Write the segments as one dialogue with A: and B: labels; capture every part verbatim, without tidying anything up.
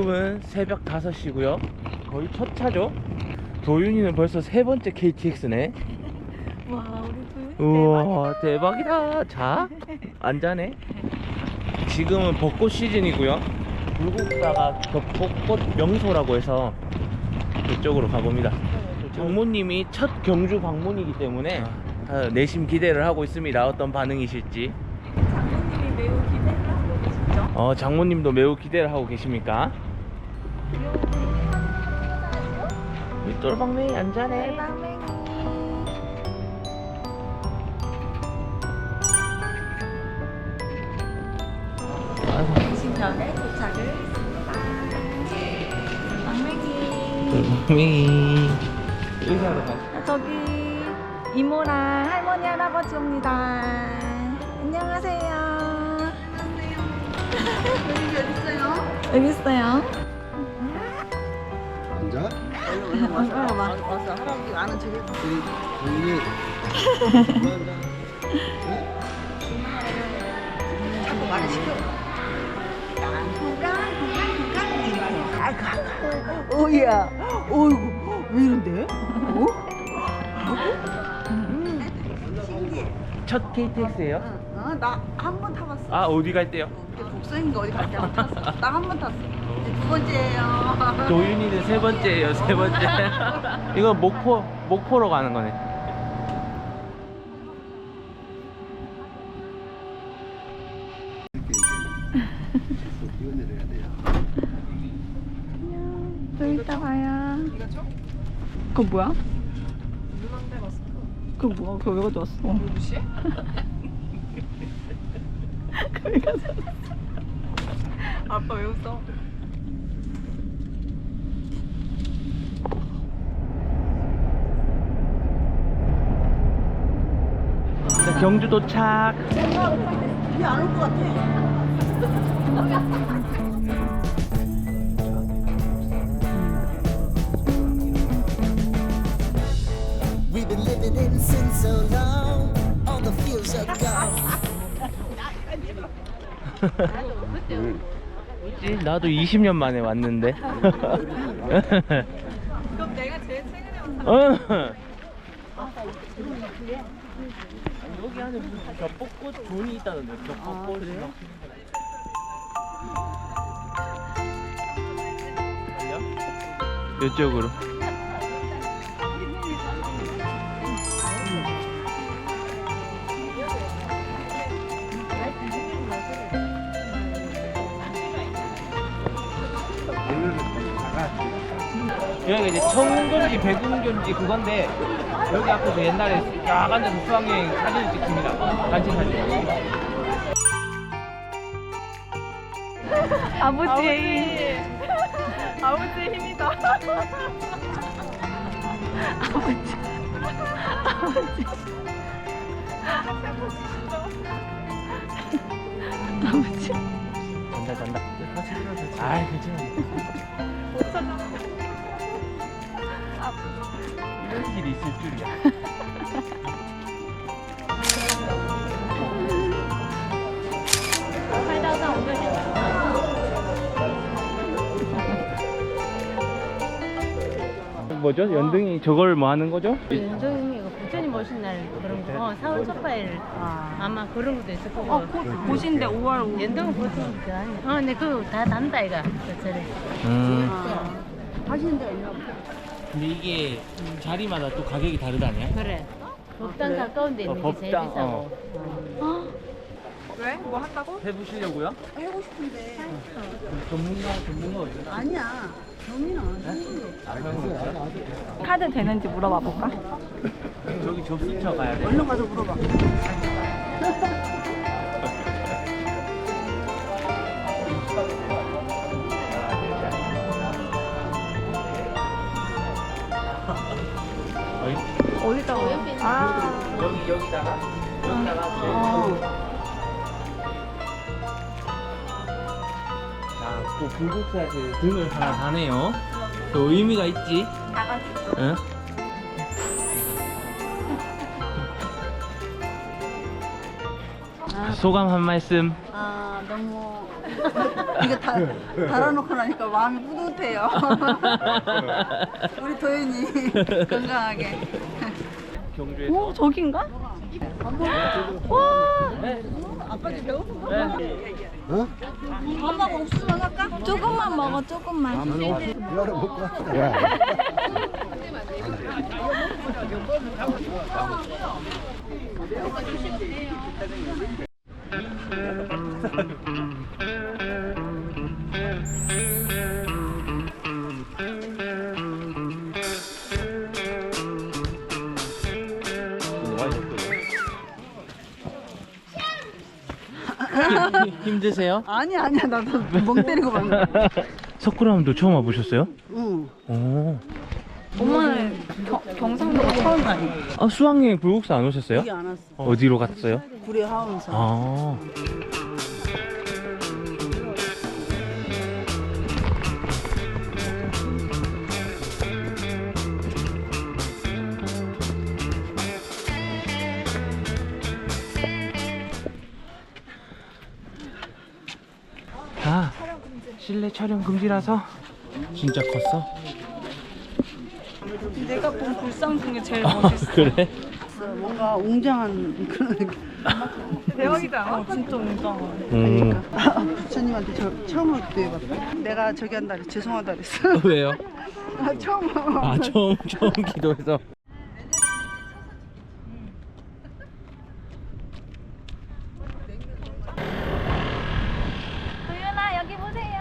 A: 지금은 새벽 다섯 시고요 거의 첫 차죠. 도윤이는 벌써 세 번째 케이티엑스네.
B: 와, 우리 도윤이
A: 우와 대박이다. 자? 안 자네. 지금은 벚꽃 시즌이고요. 불국사가 벚꽃 명소라고 해서 그쪽으로 가봅니다. 장모님이 첫 경주 방문이기 때문에 아, 내심 기대를 하고 있습니다. 어떤 반응이실지.
B: 장모님이 매우 기대를 하고 계시죠?
A: 어, 장모님도 매우 기대를 하고 계십니까? 우리 똘방맹이 안 자네.
B: 똘방맹이. 신전에 도착을 했습니다. 똘방맹이.
A: 똘방맹이. 인사하러 가.
B: 아, 저기 이모랑 할머니 할아버지 옵니다. 안녕하세요. 여기 어디 있어요? 여기 있어요.
C: 앉아.
B: 와서 봐.
D: 와서 할아버지 아는 척 해서
C: 우리
D: 자꾸 말을 시켜. 어이야, 어이구, 왜 이런데? 어?
A: 첫 케이티엑스예요?
D: 어, 나 한 번 타봤어.
A: 아, 어디 갈 때요?
D: 복서인가 어디 갈 때 한 번 탔어. 나 한 번 탔어. 이제 두 번째예요.
A: 도윤이는 세 번째예요, 세 번째. 이거 목포, 목포로 가는 거네.
C: 이렇게 뛰어내려야 돼요.
B: 좀 이따 봐요. 그거 뭐야? 그거 뭐야? 그거 왜 가져왔어? 무시해? 그거 왜 가져왔어? 아빠 왜 웃어?
A: 자, 경주 도착.
D: 이게 안 올 것 같아.
E: We've been living in sin so long, all the feels are gone.
A: 뭐지? 나도 이십 년 만에 왔는데.
B: 그럼 내가 제일 최근에 온 사람.
A: 어. 여기 안에 무슨 겹벚꽃 존이 있다는데. 겹벚꽃. 그래요? 이쪽으로. 여기가 이제 청운견지, 백운견지 그건데 여기 앞에서 옛날에 쫙 앉아서 수학여행 사진을 찍습니다. 단체 사진.
B: 아버지의 힘. 아버지의 힘이다. 아버지. 아버지. 아버지.
A: 잔다 잔다. 아이 괜찮아. 이런 길이 있을 줄이야. 뭐죠? 연등이 저걸 뭐 하는 거죠?
F: 연정이 이거 부처님 오신 날 그런 거 어, 사월 첫팔 아마 그런 것도 있을 거고
B: 어, 곧 보신대 오월 오.
F: 연동은 보통 그 아니 어, 근데 그거 다 단다 이가 저래
A: 음.
D: 하시는 데가 있나?
A: 근데 이게 자리마다 또 가격이 다르다냐?
F: 그래 법당 가까운 데
A: 어,
F: 있는 게 제일
A: 법당,
F: 비싸고
A: 어.
F: 어.
B: 왜? 뭐 한다고?
A: 해보시려고요?
D: 해보고 싶은데
A: 전문가 전문가 어디?
D: 아니야. 경민아.
B: 카드 되는지 물어봐 볼까?
A: 저기 접수처 가야 돼.
D: 얼른 가서 물어봐.
A: 어이?
B: 어디다고요? 아.
A: 여기 여기다가 여기다가.
B: 어.
A: 자, 또 불국사에 등을 하나 다네요. 또 의미가 있지. 응? 소감 한 말씀.
D: 아 너무 이거 다 달아놓고 나니까 마음이 뿌듯해요. 우리 도윤이 건강하게.
A: 경주에서.
B: 오 저긴가?
D: 아빠도 배고픈 거?
C: 어?
D: 엄마가 옥수수만 할까?
B: 조금만 먹어 조금만.
C: 이거를 먹고 왔다. 야.
A: 힘드세요?
D: 아니 아니야 나도 멍 때리고 봤네.
A: 석굴암도 처음 와보셨어요?
D: 응.
A: 오.
B: 엄마는 경, 경상도가 처음 다니.
A: 아 수학여행 불국사 안 오셨어요?
D: 여기 안 왔어.
A: 어디로 갔어요?
D: 구례 하원사.
A: 아. 아, 실내 촬영 금지라서 진짜 컸어?
B: 내가 본 불상 중에 제일
A: 아,
B: 멋있어.
A: 그래?
D: 뭔가 웅장한 그런 느낌.
B: 대박이다. 어, 진짜 웅장하.
A: 음.
D: 부처님한테 저 처음으로 기도해봤다. 내가 저기 한다 그랬 죄송하다 그랬어.
A: 왜요?
D: 아, 처음.
A: 아 처음 처음 기도해서.
B: 도윤아 여기 보세요.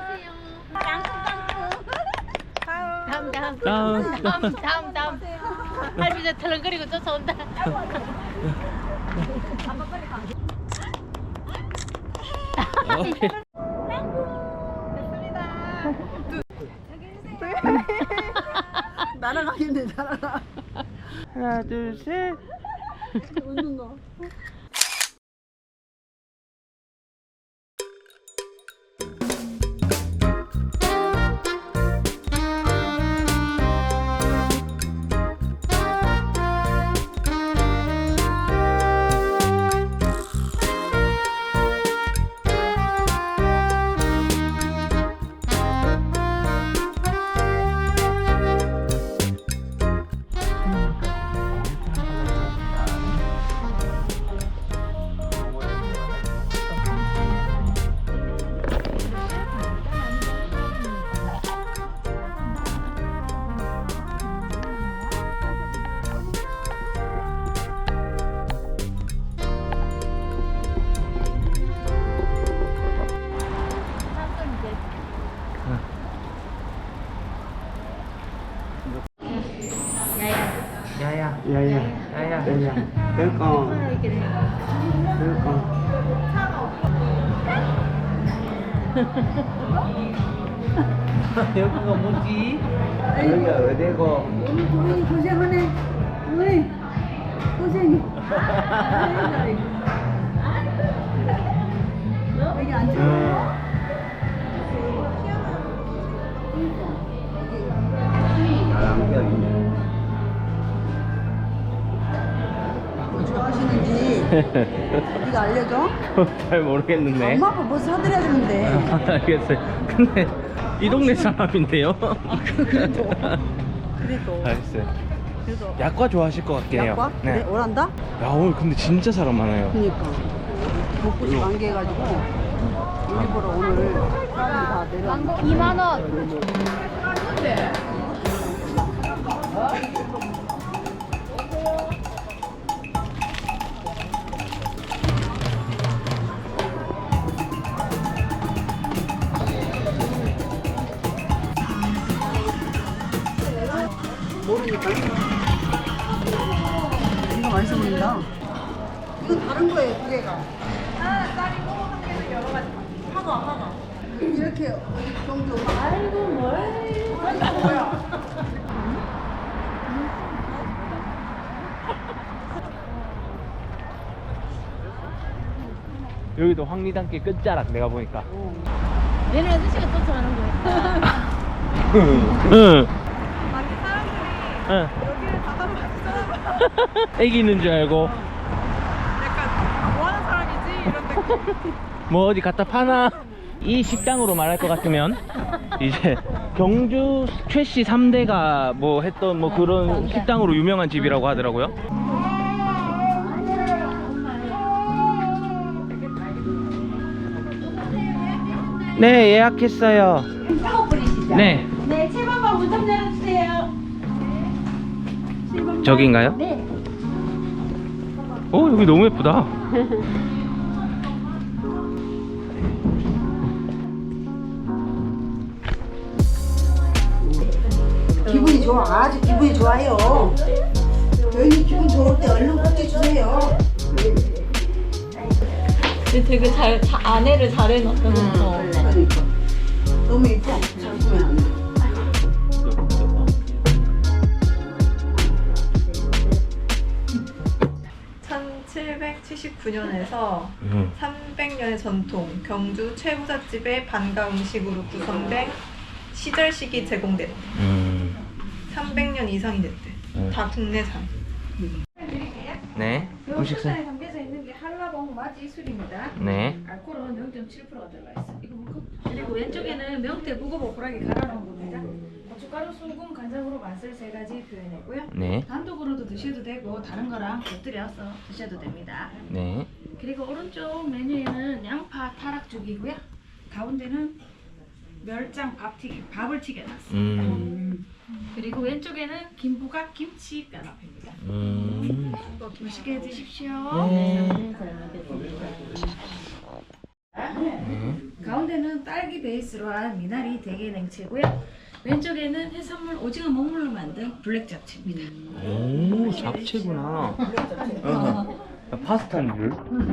F: 다음 다음
A: 다음.
F: 다음 다음 다음. 할비자 털렁거리고 쫓아온다.
A: 오케이.
D: 날아가겠네 날아가.
A: 하나 둘 셋.
D: 웃는 거.
A: 야야.
C: 야야.
A: 야야.
C: 야야. welcome. welcome.
A: 여기가 뭐지? 여기가 어디고?
D: 오늘 도윤이 고생하네. 어이 고생이. 여기 앉아. 뭐 좋아하시는지 네가 알려줘.
A: 잘 모르겠는데.
D: 엄마 아빠 뭐 사드려야 되는데.
A: 알겠어요. 근데 이 동네 사람인데요.
D: 그래도 그래도
A: 알겠어요.
D: 그래도
A: 약과 좋아하실 것 같긴 해요.
D: 약과? 그래? 오란다?
A: 야 오늘 근데 진짜 사람 많아요.
D: 그니까 벚꽃이 만개해가지고 일부러 오늘 사람이 다 내려.
F: 이만 원.
D: 모르니까. 이거 맛있어 보인다. 이거 다른 거예요, 두 개가. 하나 딸이고 한 개는 여러 가지. 하나 하나. 이렇게 정도. 아이고 뭘? 뭐야?
A: 여기도 황리단길 끝자락 내가 보니까.
F: 얘는 아저씨가 쫓아가는 거야.
A: 응.
B: 아니 사람들이
A: 응.
B: 여기를 닫아봤어.
A: 애기 있는 줄 알고.
B: 약간 뭐 하는 사람이지?
A: 뭐 어디 갖다 파나? 이 식당으로 말할 것 같으면 이제 경주 최씨 삼 대가 뭐 했던 뭐 그런 식당으로 유명한 집이라고 하더라고요. 네, 예약했어요. 네.
F: 네, 칠 번 방 문 좀 열어주세요.
A: 저기인가요?
F: 네.
A: 오, 여기 너무 예쁘다.
D: 기분이 좋아. 아주 기분이 좋아요. 저희 기분 좋을 때 얼른 꼭지 주세요.
B: 되게 잘, 자, 안에를 잘 해놨다. 그쵸?
D: 그러니까. 너무 이뻐. 잘 꾸며 안 돼.
B: 천칠백칠십구 년에서
A: 음.
B: 삼백 년의 전통 경주 최부잣집의 반가 음식으로 구성된 시절식이 제공됐대.
A: 음.
B: 삼백 년 이상이 됐대.
A: 음.
B: 다 국내산.
A: 네. 음식사.
G: 담겨져 있는 게 한라봉 마지 술입니다.
A: 네.
G: 알코올은 영 점 칠 퍼센트가 들어가 있어. 이거 먹고. 그리고 왼쪽에는 명태 무고보풀하게 갈아놓은 겁니다. 고춧가루, 소금, 간장으로 맛을 세 가지 표현했고요.
A: 네.
G: 단독으로도 드셔도 되고 다른 거랑 곁들여서 드셔도 됩니다.
A: 네.
G: 그리고 오른쪽 메뉴에는 양파 타락죽이고요. 가운데는 멸장 밥튀김, 밥을 튀겨놨어요.
A: 음.
G: 그리고 왼쪽에는 김부각 김치 까나페입니다.
A: 음.
G: 맛있게 드십시오.
A: 네.
G: 가운데는 딸기 베이스로 한 미나리 대게 냉채고요. 왼쪽에는 해산물 오징어 먹물로 만든 블랙 잡채입니다.
A: 오, 잡채구나. 어. 파스타인 줄.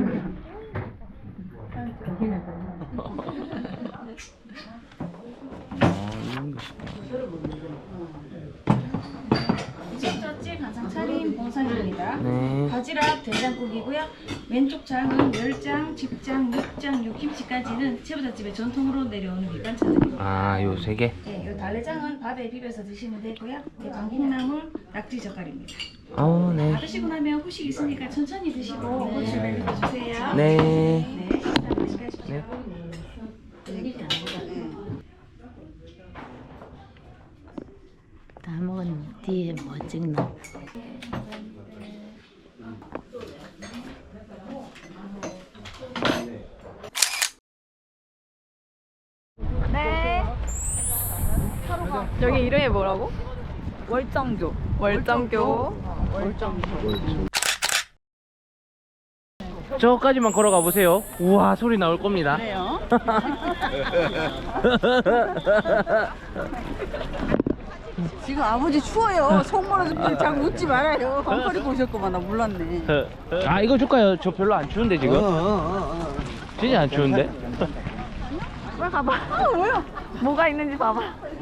A: 아, 이런 것이구나.
G: 이집저집 한상 차림 봉상입니다.
A: 네.
G: 바지락 된장국이고요. 왼쪽 장은 멸장, 집장, 육장, 육김치까지는 채부잣집의 전통으로 내려오는 밑반찬들입니다.
A: 아, 요 세 개.
G: 네, 요 달래장은 밥에 비벼서 드시면 되고요. 대방국나물, 낙지 젓갈입니다.
A: 어, 네.
G: 받으시고 나면 후식 있으니까 천천히 드시고 호출을 해주세요.
A: 네.
G: 네, 맛있게 하십시오.
A: 네.
F: 다 먹은 뒤에 뭐 찍나?
B: 네. 여기 이름이 뭐라고? 월정교. 월정교.
A: 저까지만 걸어가 보세요. 우와, 소리 나올 겁니다.
D: 그래요? 지금 아버지 추워요. 속물어서 자꾸 웃지 말아요. 헝거리고 오셨구만. 나 몰랐네.
A: 아, 이거 줄까요? 저 별로 안 추운데 지금.
C: 어, 어, 어, 어.
A: 진짜 안 추운데?
B: 빨리 가봐. 아, 뭐야? 뭐가 있는지 봐봐.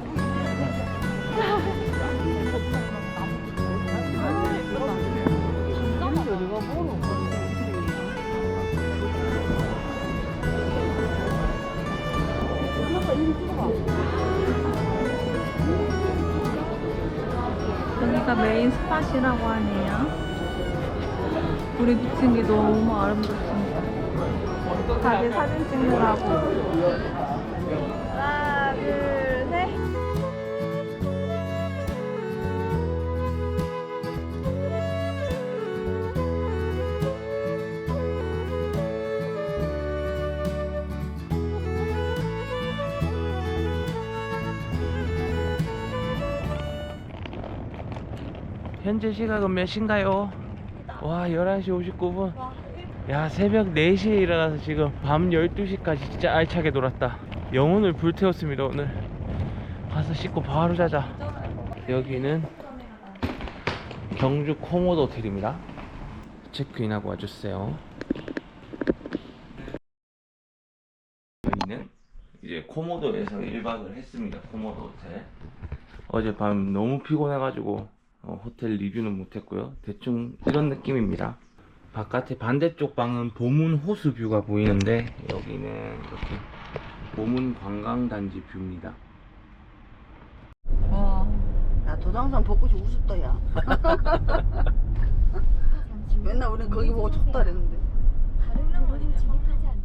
B: 여기가 메인 스팟이라고 하네요. 불이 비친 게 너무 아름답습니다. 다들 사진 찍느라고. 하나, 둘, 셋.
A: 현재 시각은 몇 시인가요? 와, 열한 시 오십구 분. 야, 새벽 네 시에 일어나서 지금 밤 열두 시까지 진짜 알차게 놀았다. 영혼을 불태웠습니다. 오늘 가서 씻고 바로 자자. 여기는 경주 코모도 호텔입니다. 체크인하고 와주세요. 저희는 이제 코모도에서 일 박을 했습니다. 코모도 호텔. 어젯밤 너무 피곤해가지고 어, 호텔 리뷰는 못했고요. 대충 이런 느낌입니다. 바깥에 반대쪽 방은 보문 호수 뷰가 보이는데 여기는 이렇게 보문 관광단지 뷰입니다.
B: 와.
D: 야, 도당산 벚꽃이 우습다, 야. 맨날 우린 거기 보고 쳤다 그랬는데.
H: 다른 로고는 진입하지 않도록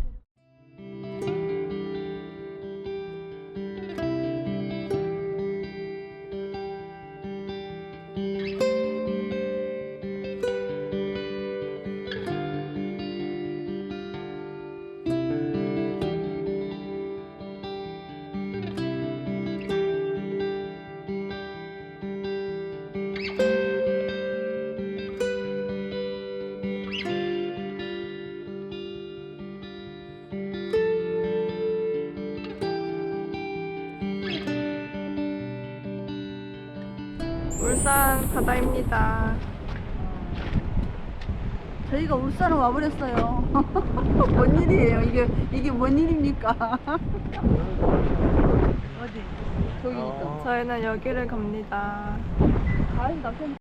B: 바다입니다.
D: 저희가 울산을 와버렸어요. 뭔 일이에요? 이게 이게 뭔 일입니까? 어디? 저기니까.
B: 저희는 여기를 갑니다.
D: 아이 남편.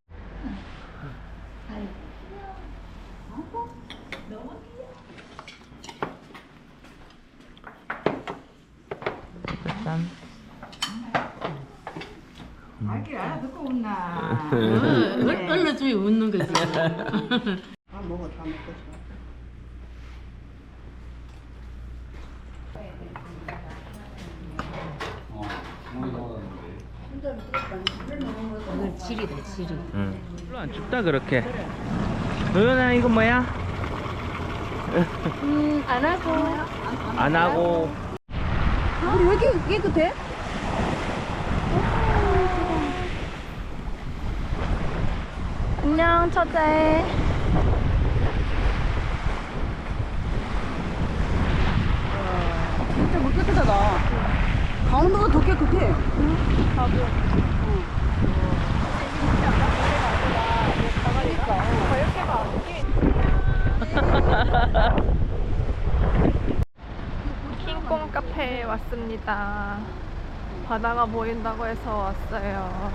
A: 짠.
D: 아기 알아듣고 웃나?
F: 얼른 주이 웃는 거지.
D: 다 먹어 다 먹고 싶어.
F: 오늘 지리다 지리.
A: 응. 별로 안 춥다 그렇게. 도연아 이거 뭐야?
F: 음, 안 하고.
A: 안 하고.
D: 우리 왜 이렇게 깨끗해?
B: 안녕 처제.
D: 진짜 물 깨끗하다. 강원도가 더 깨끗해.
B: 킹콩 카페에 왔습니다. 바다가 보인다고 해서 왔어요.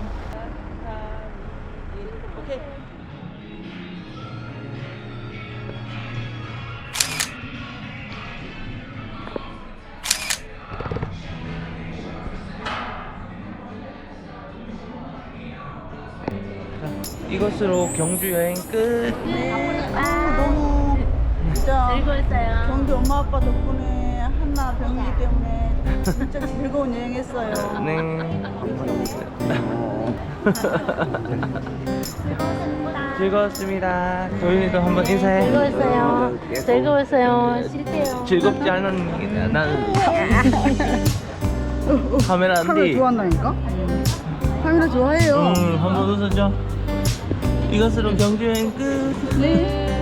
A: 이것으로 경주 여행 끝.
D: 아, 너무 진짜
F: 즐거웠어요.
D: 경주 엄마 아빠 덕분에 한나 병이기 때문에 진짜 즐거운 여행했어요.
A: 네. 즐거웠습니다. 도윤이도 한번 인사해.
F: 즐거웠어요. 즐거웠어요. 쉴게요.
A: 즐겁지 않은 게 나는 카메라 안
D: 카메라
A: 돼.
D: 좋아한다니까? 카메라 좋아해요.
A: 음, 한번 웃어줘. 이것으로 경주 여행 끝.
D: 네.